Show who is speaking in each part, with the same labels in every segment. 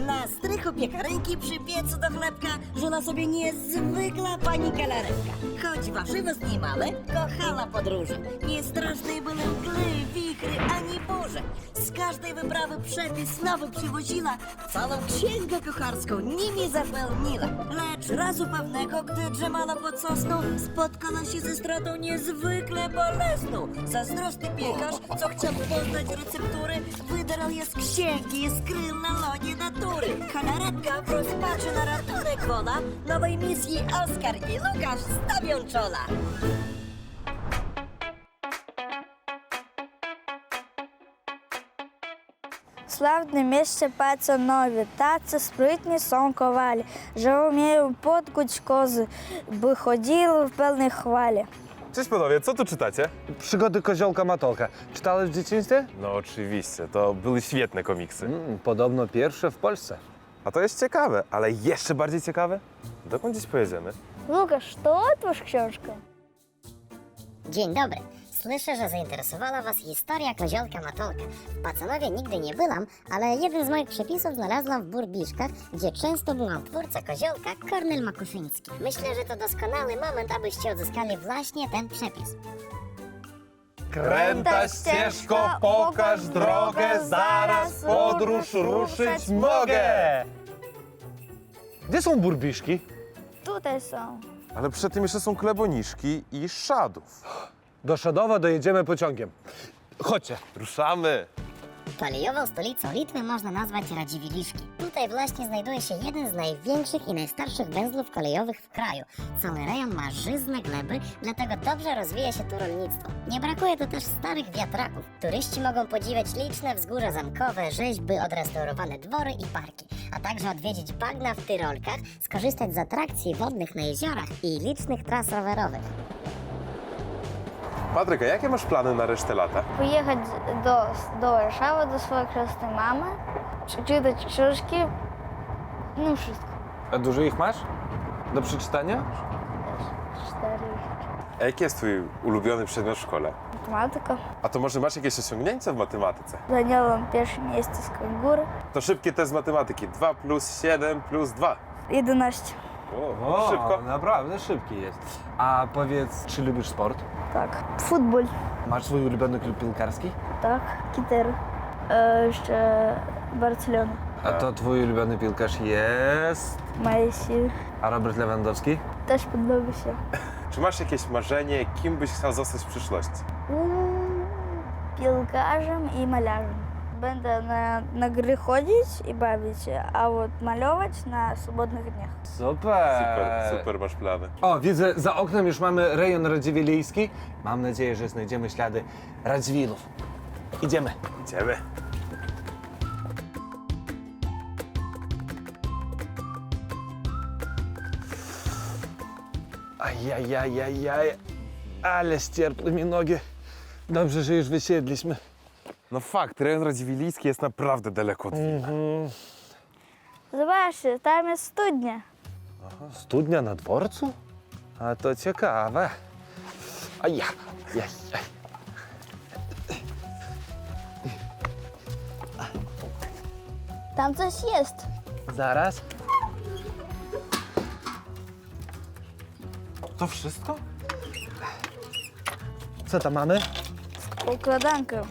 Speaker 1: Na strychu piekarenki przy piecu do chlebka żyła sobie niezwykła pani Kalaretka. Choć warzywo z niej małe, kochała podróże. Nie strasznej były mgły, wichry ani burze. Z każdej wyprawy przepis nowy przywoziła, całą księgę kucharską nimi zapełniła. Lecz razu pewnego, gdy drzemała pod sosną, spotkała się ze stratą niezwykle bolesną. Zazdrosny piekarz, co chciał poznać receptury, wydarł je z księgi i skrył na lonie natury. Kalaretka w rozpaczy na ratunek wola, nowej misji Oskar i Lukasz stawią czoła.
Speaker 2: В славне місце пацанові, таці спритні сон ковалі, że umieją podkuć kozy, by chodziły w pełnej chwale.
Speaker 3: Cześć panowie, co tu czytacie?
Speaker 4: Przygody Koziolka Matolka. Czytałeś w dzieciństwie?
Speaker 3: No oczywiście, to były świetne komiksy.
Speaker 4: Podobno pierwsze w Polsce.
Speaker 3: A to jest ciekawe, ale jeszcze bardziej ciekawe, dokąd dziś pojedziemy?
Speaker 2: Łukasz, to otwórz książkę.
Speaker 5: Dzień dobry. Słyszę, że zainteresowała Was historia Koziolka Matolka. W Pacanowie nigdy nie byłam, ale jeden z moich przepisów znalazłam w Burbiszkach, gdzie często byłam twórca Koziolka, Kornel Makuszyński. Myślę, że to doskonały moment, abyście odzyskali właśnie ten przepis.
Speaker 3: Kręta ścieżko, pokaż drogę, zaraz podróż ruszyć mogę!
Speaker 4: Gdzie są burbiszki?
Speaker 2: Tutaj są.
Speaker 3: Ale przed tym jeszcze są Kleboniszki i Szadów.
Speaker 4: Do Szadowa dojedziemy pociągiem. Chodźcie.
Speaker 3: Ruszamy!
Speaker 5: Kolejową stolicą Litwy można nazwać Radziwiliszki. Tutaj właśnie znajduje się jeden z największych i najstarszych węzłów kolejowych w kraju. Cały rejon ma żyzne gleby, dlatego dobrze rozwija się tu rolnictwo. Nie brakuje tu też starych wiatraków. Turyści mogą podziwiać liczne wzgórza zamkowe, rzeźby, odrestaurowane dwory i parki, a także odwiedzić bagna w Tyrolkach, skorzystać z atrakcji wodnych na jeziorach i licznych tras rowerowych.
Speaker 3: Patryk, a jakie masz plany na resztę lata?
Speaker 2: Поїхати до Варшави, до своєї хресної мами, przeczytać książki, no wszystko.
Speaker 4: A dużo ich masz? Do przeczytania?
Speaker 2: 4.
Speaker 3: A jaki jest twój ulubiony przedmiot w szkole?
Speaker 2: Математика.
Speaker 3: A to może masz jakieś osiągnięcia w matematyce?
Speaker 2: Зайняла перше місце з кангури.
Speaker 3: To szybkie test matematyki. 2 plus 7 plus 2.
Speaker 2: 11.
Speaker 3: O, szybko.
Speaker 4: Naprawdę szybki jest. A powiedz, czy lubisz sport?
Speaker 2: Так. Футболь.
Speaker 4: Masz swój ulubiony klub piłkarski?
Speaker 2: Так. Кітер. Ще Барселона.
Speaker 4: A to twój ulubiony piłkarz jest...
Speaker 2: Месі.
Speaker 4: A Robert Lewandowski?
Speaker 2: Теж подобається.
Speaker 3: Czy masz jakieś marzenie, kim byś chciał zostać w przyszłości?
Speaker 2: Пілкажем і маляжем. Będę na gry chodzić i bawić się, a od malować na swobodnych dniach.
Speaker 3: Super, super masz plany.
Speaker 4: O, widzę, za oknem już mamy rejon radziwilijski. Mam nadzieję, że znajdziemy ślady Radziwilów. Idziemy.
Speaker 3: Idziemy.
Speaker 4: Ajajajajaj, ale ścierpły mi nogi. Dobrze, że już wysiedliśmy.
Speaker 3: No fakt, rejon radziwilijski jest naprawdę daleko od Wilna.
Speaker 2: Zobaczcie, tam jest studnia.
Speaker 4: Studnia na dworcu? A to ciekawe. Aja, jaj, jaj.
Speaker 2: Tam coś jest.
Speaker 4: Zaraz.
Speaker 3: To wszystko?
Speaker 4: Co tam mamy?
Speaker 2: Układankę.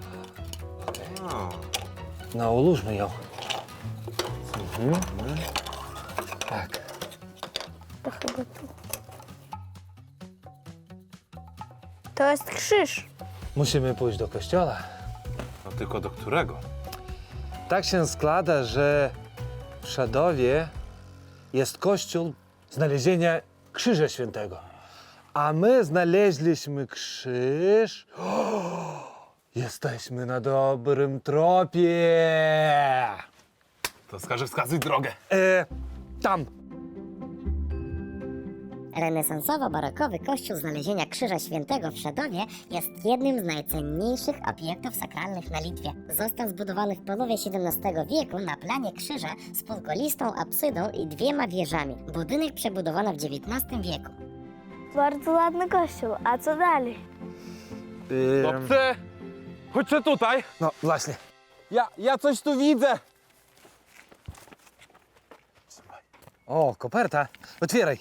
Speaker 4: No, ułóżmy ją. Tak.
Speaker 2: To chyba tu. To jest krzyż.
Speaker 4: Musimy pójść do kościoła.
Speaker 3: No tylko do którego?
Speaker 4: Tak się składa, że w Szadowie jest kościół znalezienia Krzyża Świętego. A my znaleźliśmy krzyż. Jesteśmy na dobrym tropie.
Speaker 3: To wskazuj drogę.
Speaker 4: Tam.
Speaker 5: Renesansowo-barokowy kościół Znalezienia Krzyża Świętego w Szadowie jest jednym z najcenniejszych obiektów sakralnych na Litwie. Został zbudowany w połowie XVII wieku na planie krzyża z półkolistą absydą i 2 wieżami. Budynek przebudowano w XIX wieku.
Speaker 2: Bardzo ładny kościół. A co dalej?
Speaker 3: Chłopcy, chodźcie tutaj.
Speaker 4: No właśnie.
Speaker 3: Ja coś tu widzę.
Speaker 4: O, koperta. Otwieraj.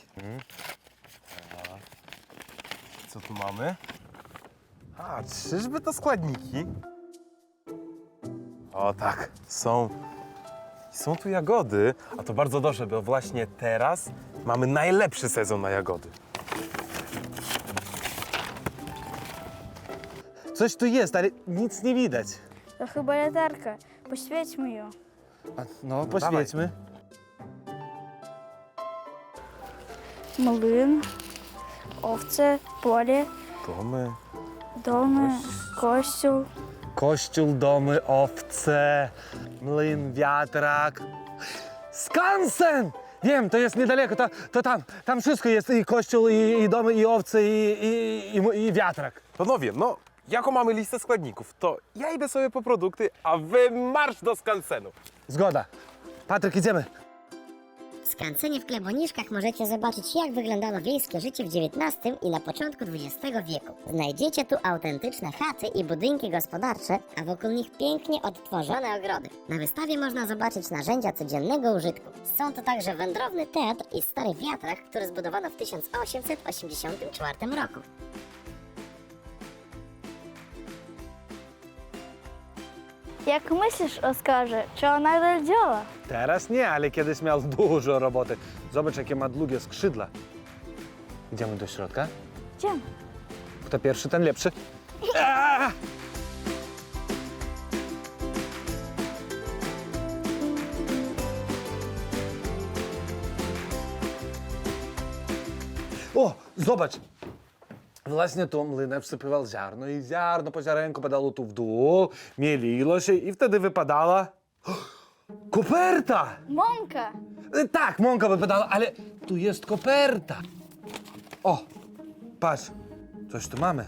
Speaker 3: Co tu mamy? A, czyżby to składniki? O tak, są tu jagody, a to bardzo dobrze, bo właśnie teraz mamy najlepszy sezon na jagody.
Speaker 4: Coś tu jest, ale nic nie widać.
Speaker 2: To chyba latarka. Poświećmy ją.
Speaker 4: No, poświećmy.
Speaker 2: Mlyn, owce, polе, domy, kościół.
Speaker 4: Kościół, domy, owce, mlyn, wiatrak. Skansen! Wiem, to jest niedaleko, to tam wszystko jest, i kościół, i domy, i owce, i wiatrak.
Speaker 3: Panowie, no, jaką mamy listę składników, to ja idę sobie po produkty, a wy marsz do skansenu.
Speaker 4: Zgoda. Patryk, idziemy.
Speaker 5: W skansenie w Kleboniszkach możecie zobaczyć, jak wyglądało wiejskie życie w XIX i na początku XX wieku. Znajdziecie tu autentyczne chaty i budynki gospodarcze, a wokół nich pięknie odtworzone ogrody. Na wystawie można zobaczyć narzędzia codziennego użytku. Są to także wędrowny teatr i stary wiatrak, który zbudowano w 1884 roku.
Speaker 2: Jak myślisz, Oskarze, czy ona nadal działa?
Speaker 4: Teraz nie, ale kiedyś miał dużo roboty. Zobacz, jakie ma długie skrzydła. Idziemy do środka.
Speaker 2: Idziemy.
Speaker 4: Kto pierwszy, ten lepszy. Aaa! O, zobacz. Właśnie tu młynarz wsypywał ziarno i ziarno po ziarenku padało tu w dół, mieliło się i wtedy wypadała koperta!
Speaker 2: Mąka!
Speaker 4: Tak, mąka wypadała, ale tu jest koperta. O, patrz, coś tu mamy.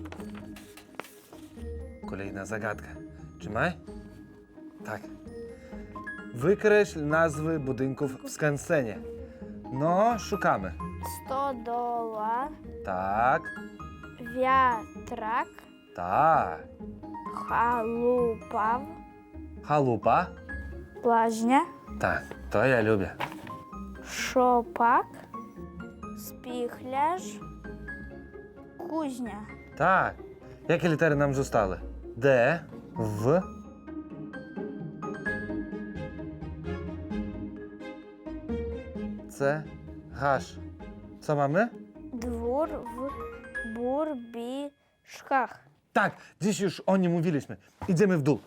Speaker 4: Kolejna zagadka. Trzymaj. Tak. Wykreśl nazwy budynków w skansenie. No, szukamy.
Speaker 2: Stodoła,
Speaker 4: Tak,
Speaker 2: wiatrak,
Speaker 4: tak.
Speaker 2: chalupa,
Speaker 4: Chalupa.
Speaker 2: łaźnia,
Speaker 4: Tak, to ja lubię.
Speaker 2: szopak, spichlerz, kuźnia.
Speaker 4: Tak. Jakie litery nam zostały? D, W. C, H. Co mamy?
Speaker 2: Dwór w Burbiszkach.
Speaker 4: Tak, dziś już o nim mówiliśmy. Idziemy w dół.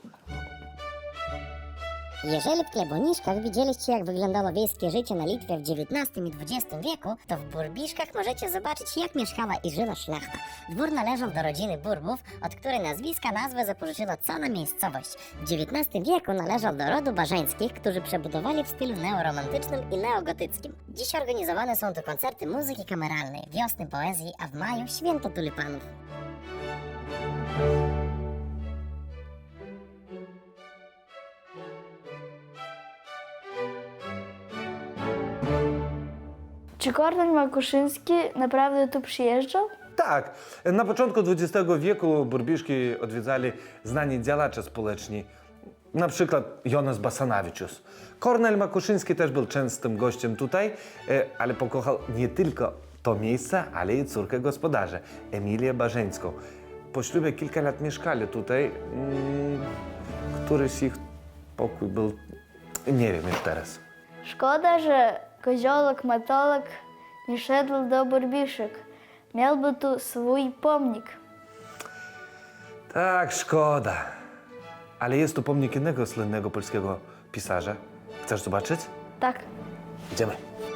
Speaker 5: Jeżeli w Kleboniszkach widzieliście, jak wyglądało wiejskie życie na Litwie w XIX i XX wieku, to w Burbiszkach możecie zobaczyć, jak mieszkała i żyła szlachta. Dwór należał do rodziny Burbów, od której nazwę zapożyczyła cała miejscowość. W XIX wieku należał do rodu Barzeńskich, którzy przebudowali w stylu neoromantycznym i neogotyckim. Dziś organizowane są tu koncerty muzyki kameralnej, wiosny poezji, a w maju święto tulipanów.
Speaker 2: Czy Kornel Makuszyński naprawdę tu przyjeżdżał?
Speaker 4: Tak, na początku XX wieku Burbiszki odwiedzali znani działacze społeczni, na przykład Jonas Basanavičius. Kornel Makuszyński też był częstym gościem tutaj, ale pokochał nie tylko to miejsce, ale i córkę gospodarza, Emilię Barzeńską. Po ślubie kilka lat mieszkali tutaj, któryś z ich pokój był, nie wiem już teraz.
Speaker 2: Szkoda, że koziołek Matolek nie szedł do Burbiszek. Miałby tu swój pomnik.
Speaker 4: Tak, szkoda. Ale jest tu pomnik innego słynnego polskiego pisarza. Chcesz zobaczyć?
Speaker 2: Tak.
Speaker 4: Idziemy.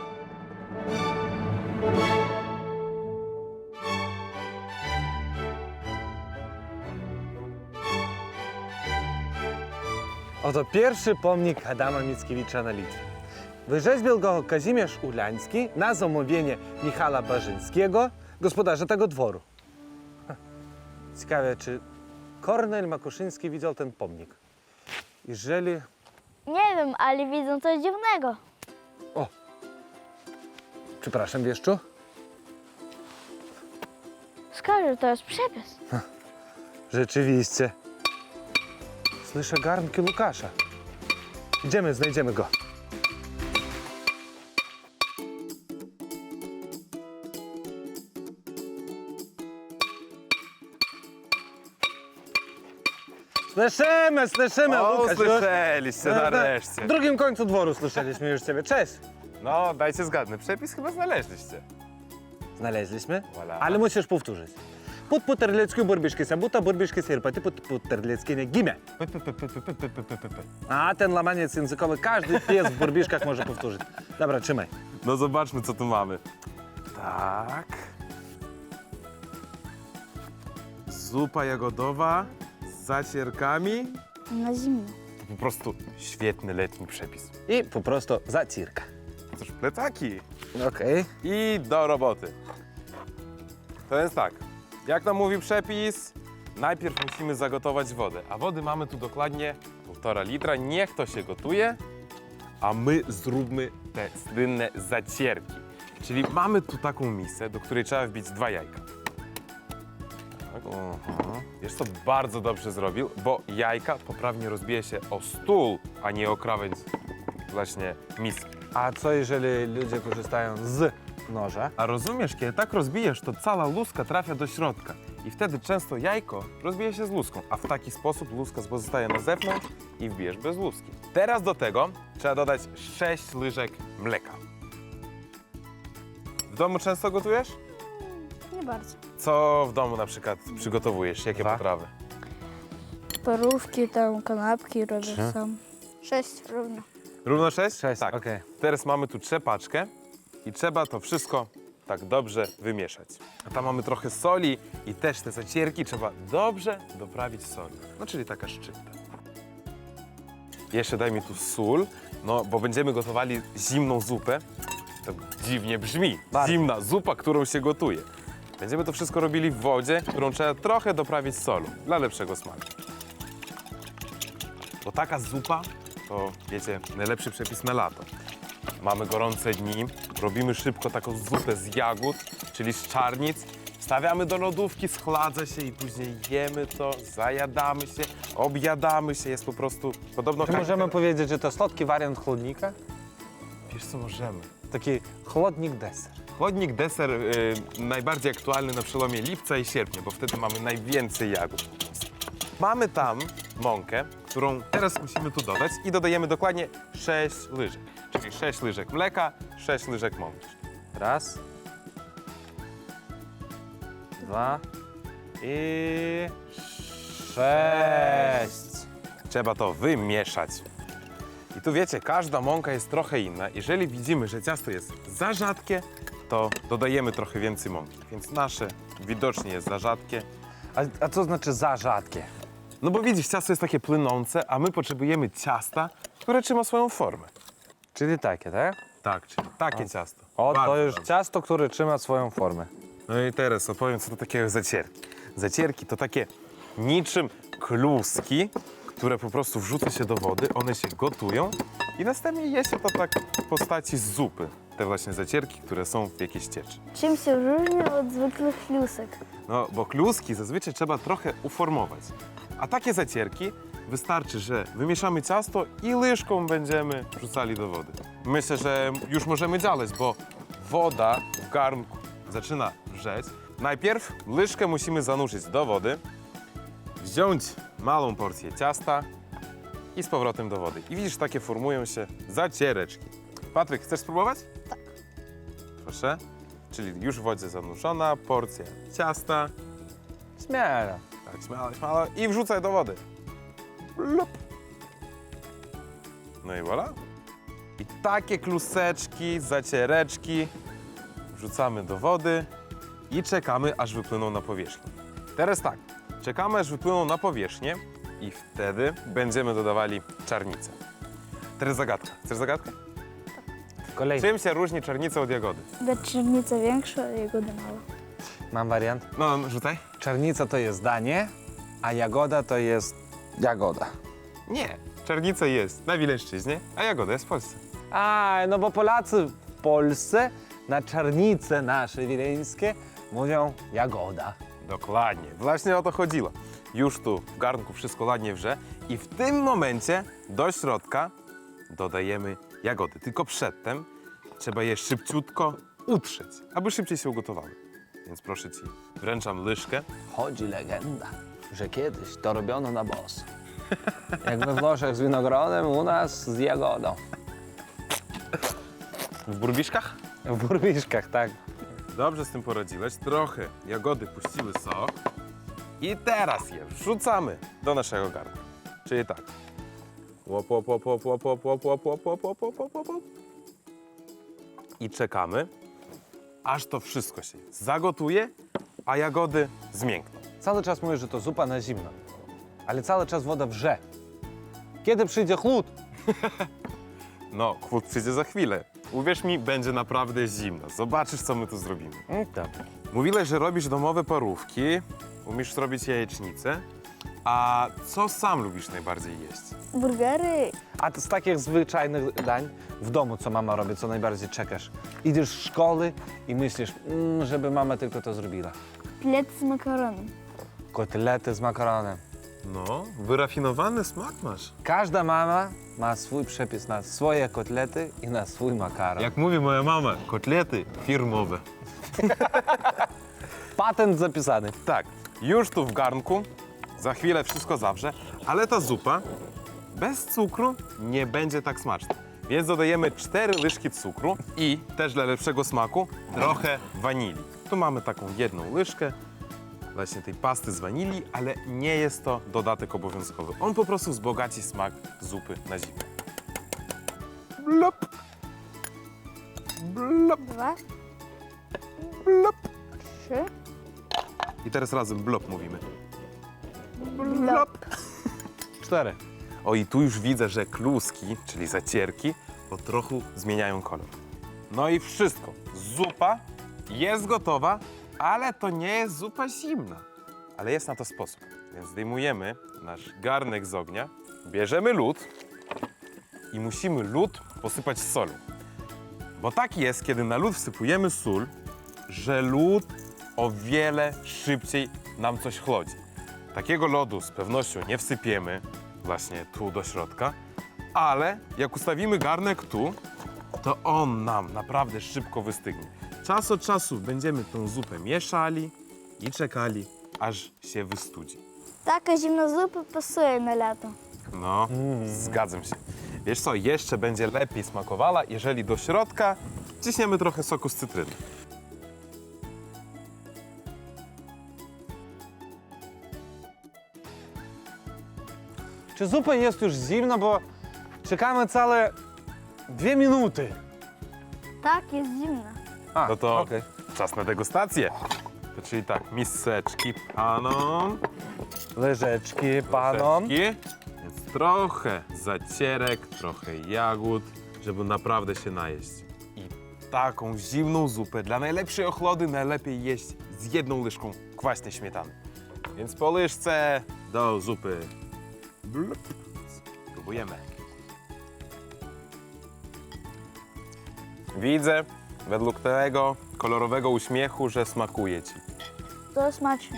Speaker 4: Oto pierwszy pomnik Adama Mickiewicza na Litwie. Wyrzeźbił go Kazimierz Ulański na zamówienie Michała Barzyńskiego, gospodarza tego dworu. Ciekawe, czy Kornel Makuszyński widział ten pomnik? Jeżeli...
Speaker 2: Nie wiem, ale widzę coś dziwnego.
Speaker 4: O! Przepraszam, wieszczu?
Speaker 2: Skaże, to jest przepis.
Speaker 4: Rzeczywiście. Słyszę garnki Łukasza. Idziemy, znajdziemy go. Słyszymy,
Speaker 3: O,
Speaker 4: Łukasz.
Speaker 3: słyszeliście nareszcie.
Speaker 4: W drugim końcu dworu słyszeliśmy już ciebie. Cześć.
Speaker 3: No, dajcie zgadnę. Przepis chyba znaleźliście.
Speaker 4: Znaleźliśmy,
Speaker 3: Voilà.
Speaker 4: ale musisz powtórzyć. Pod Puterleckiu burbiszki sabuta, burbiszki sierpati, pod Puterleckie nie gimę. A ten lamaniec językowy każdy pies w burbiszkach może powtórzyć. Dobra, trzymaj.
Speaker 3: No zobaczmy, co tu mamy. Tak. Zupa jagodowa z zacierkami.
Speaker 2: Na zimno.
Speaker 3: To po prostu świetny letni przepis.
Speaker 4: I po prostu zacirka.
Speaker 3: Cóż, plecaki.
Speaker 4: Okej.
Speaker 3: I do roboty. To jest tak, jak nam mówi przepis, najpierw musimy zagotować wodę, a wody mamy tu dokładnie 1,5 litra. Niech to się gotuje, a my zróbmy te słynne zacierki. Czyli mamy tu taką misę, do której trzeba wbić 2 jajka. Tak. Wiesz co, bardzo dobrze zrobił, bo jajka poprawnie rozbije się o stół, a nie o krawędź właśnie miski.
Speaker 4: A co jeżeli ludzie korzystają z noża?
Speaker 3: A rozumiesz, kiedy tak rozbijesz, to cała łuska trafia do środka i wtedy często jajko rozbije się z luską, a w taki sposób łuska pozostaje na zewnątrz i wbijesz bez łuski. Teraz do tego trzeba dodać 6 łyżek mleka. W domu często gotujesz?
Speaker 2: Nie bardzo.
Speaker 3: Co w domu na przykład przygotowujesz? Jakie
Speaker 4: 2.
Speaker 3: potrawy?
Speaker 2: Parówki, tam kanapki robię sam. 6 równo.
Speaker 3: Równo 6?
Speaker 4: 6,
Speaker 3: Tak.
Speaker 4: okej.
Speaker 3: Teraz mamy tu trzepaczkę i trzeba to wszystko tak dobrze wymieszać. A tam mamy trochę soli i też te zacierki trzeba dobrze doprawić soli. No czyli taka szczypta. Jeszcze daj mi tu sól, no bo będziemy gotowali zimną zupę. To dziwnie brzmi.
Speaker 4: Bardzo.
Speaker 3: Zimna zupa, którą się gotuje. Będziemy to wszystko robili w wodzie, którą trzeba trochę doprawić solą dla lepszego smaku. Bo taka zupa to, wiecie, najlepszy przepis na lato. Mamy gorące dni, robimy szybko taką zupę z jagód, czyli z czarnic, stawiamy do lodówki, schladza się i później jemy to, zajadamy się, objadamy się, jest po prostu podobno...
Speaker 4: Czy możemy powiedzieć, że to słodki wariant chłodnika?
Speaker 3: Wiesz co, możemy.
Speaker 4: Taki chłodnik deser.
Speaker 3: Chłodnik deser najbardziej aktualny na przełomie lipca i sierpnia, bo wtedy mamy najwięcej jagód. Mamy tam mąkę, którą teraz musimy tu dodać i dodajemy dokładnie 6 łyżek. Czyli 6 łyżek mleka, 6 łyżek mąki.
Speaker 4: Raz. 2. I 6.
Speaker 3: Trzeba to wymieszać. I tu wiecie, każda mąka jest trochę inna. Jeżeli widzimy, że ciasto jest za rzadkie, to dodajemy trochę więcej mąki. Więc nasze widocznie jest za rzadkie.
Speaker 4: A co znaczy za rzadkie?
Speaker 3: No bo widzisz, ciasto jest takie płynące, a my potrzebujemy ciasta, które trzyma swoją formę.
Speaker 4: Czyli takie, tak?
Speaker 3: Tak, czyli takie ciasto.
Speaker 4: O, to
Speaker 3: Bardzo
Speaker 4: już
Speaker 3: dobrze.
Speaker 4: ciasto, które trzyma swoją formę.
Speaker 3: No i teraz opowiem, co to takiego zacierki. Zacierki to takie niczym kluski, które po prostu wrzuca się do wody, one się gotują i następnie je się to tak w postaci zupy. Te właśnie zacierki, które są w jakiejś cieczy.
Speaker 2: Czym się różni od zwykłych klusek?
Speaker 3: No, bo kluski zazwyczaj trzeba trochę uformować. A takie zacierki wystarczy, że wymieszamy ciasto i łyżką będziemy wrzucali do wody. Myślę, że już możemy działać, bo woda w garnku zaczyna wrzeć. Najpierw łyżkę musimy zanurzyć do wody, wziąć małą porcję ciasta i z powrotem do wody. I widzisz, takie formują się zaciereczki. Patryk, chcesz spróbować? Tak. Proszę. Czyli już w wodzie zanurzona porcja ciasta.
Speaker 4: Śmiało.
Speaker 3: Tak, śmiało i wrzucaj do wody. Lup. No i voilà. I takie kluseczki, zaciereczki wrzucamy do wody i czekamy, aż wypłyną na powierzchnię. Teraz tak, czekamy, aż wypłyną na powierzchnię i wtedy będziemy dodawali czarnicę. Teraz zagadka. Chcesz zagadkę?
Speaker 4: Kolejny.
Speaker 3: Czym się różni czarnica od jagody?
Speaker 2: Czarnica większa, a jagoda mała.
Speaker 4: Mam wariant.
Speaker 3: No, rzucaj.
Speaker 4: Czarnica to jest danie, a jagoda to jest jagoda.
Speaker 3: Nie. Czarnica jest na Wileńszczyźnie, a jagoda jest w Polsce.
Speaker 4: A, no bo Polacy w Polsce na czarnice nasze wileńskie mówią jagoda.
Speaker 3: Dokładnie, właśnie o to chodziło. Już tu w garnku wszystko ładnie wrze i w tym momencie do środka dodajemy jagody. Tylko przedtem trzeba je szybciutko utrzeć, aby szybciej się ugotowały. Więc proszę Ci, wręczam łyżkę.
Speaker 4: Chodzi legenda, że kiedyś to robiono na boso.
Speaker 6: Jak we Włoszech z winogrodem, u nas z jagodą.
Speaker 3: W burbiszkach?
Speaker 6: W burmiszkach, tak.
Speaker 3: Dobrze z tym poradziłeś. Trochę jagody puściły sok. I teraz je wrzucamy do naszego garnka. Czyli tak. Łop, łop, łop, łop, łop, łop, łop, łop, łop, łop, łop, łop, łop, łop. I czekamy, aż to wszystko się zagotuje, a jagody zmiękną.
Speaker 6: Cały czas mówisz, że to zupa na zimno. Ale cały czas woda wrze. Kiedy przyjdzie chłód?
Speaker 3: No, chłód przyjdzie za chwilę. Uwierz mi, będzie naprawdę zimno. Zobaczysz, co my tu zrobimy.
Speaker 6: Dobra.
Speaker 3: Mówiłeś, że robisz domowe parówki, umiesz zrobić jajecznicę. A co sam lubisz najbardziej jeść?
Speaker 2: Burgery.
Speaker 6: A z takich zwyczajnych dań w domu, co mama robi, co najbardziej czekasz? Idziesz z szkoły i myślisz, żeby mama tylko to zrobiła.
Speaker 2: Плед з макароном.
Speaker 6: Kotlety z makaronem.
Speaker 3: No, wyrafinowany smak masz.
Speaker 6: Każda mama ma swój przepis na swoje kotlety i na swój makaron.
Speaker 3: Jak mówi moja mama, kotlety firmowe.
Speaker 6: Patent zapisany.
Speaker 3: Tak, już tu w garnku, za chwilę wszystko zawrze, ale ta zupa bez cukru nie będzie tak smaczna. Więc dodajemy 4 łyżki cukru i też dla lepszego smaku trochę wanilii. Tu mamy taką jedną łyżkę właśnie tej pasty z wanilii, ale nie jest to dodatek obowiązkowy. On po prostu wzbogaci smak zupy na zimę. Blop. Blop,
Speaker 2: 2,
Speaker 3: blop.
Speaker 2: 3.
Speaker 3: I teraz razem blop mówimy.
Speaker 2: Blop.
Speaker 6: 4.
Speaker 3: O, i tu już widzę, że kluski, czyli zacierki, po trochu zmieniają kolor. No i wszystko. Zupa jest gotowa, ale to nie jest zupa zimna. Ale jest na to sposób. Więc zdejmujemy nasz garnek z ognia, bierzemy lód i musimy lód posypać solą. Bo tak jest, kiedy na lód wsypujemy sól, że lód o wiele szybciej nam coś chłodzi. Takiego lodu z pewnością nie wsypiemy właśnie tu do środka, ale jak ustawimy garnek tu, to on nam naprawdę szybko wystygnie. Czas od czasu będziemy tą zupę mieszali i czekali, aż się wystudzi.
Speaker 2: Така зимна зупа пасує на лято.
Speaker 3: No, zgadzam się. Wiesz co, jeszcze będzie lepiej smakowała, jeżeli do środka wciśniemy trochę soku z cytryny.
Speaker 6: Czy zupa jest już zimna, bo czekamy całe 2 minuty.
Speaker 2: Так, є зимна.
Speaker 6: A,
Speaker 3: No to
Speaker 6: okej.
Speaker 3: czas na degustację. To czyli tak, miseczki panom.
Speaker 6: Łyżeczki panom.
Speaker 3: Łyżeczki. Więc trochę zacierek, trochę jagód, żeby naprawdę się najeść. I taką zimną zupę dla najlepszej ochlody najlepiej jeść z jedną łyżką kwaśnej śmietany. Więc po łyżce do zupy. Blup. Spróbujemy. Widzę według tego kolorowego uśmiechu, że smakuje ci.
Speaker 2: То смачно.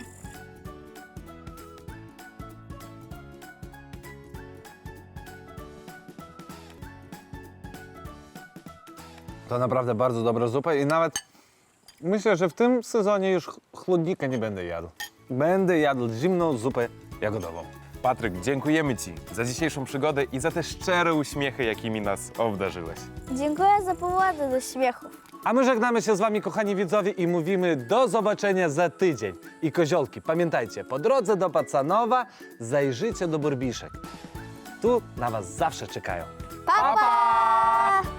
Speaker 6: To naprawdę bardzo dobra zupa i nawet myślę, że w tym sezonie już chłodnika nie będę jadł. Będę jadł zimną zupę jagodową.
Speaker 3: Patryk, dziękujemy ci za dzisiejszą przygodę i za te szczere uśmiechy, jakimi nas obdarzyłeś.
Speaker 2: Dziękuję za powody do śmiechów.
Speaker 6: A my żegnamy się z wami, kochani widzowie, i mówimy do zobaczenia za tydzień. I koziolki, pamiętajcie, po drodze do Pacanowa zajrzyjcie do Burbiszek. Tu na was zawsze czekają.
Speaker 2: Pa-pa!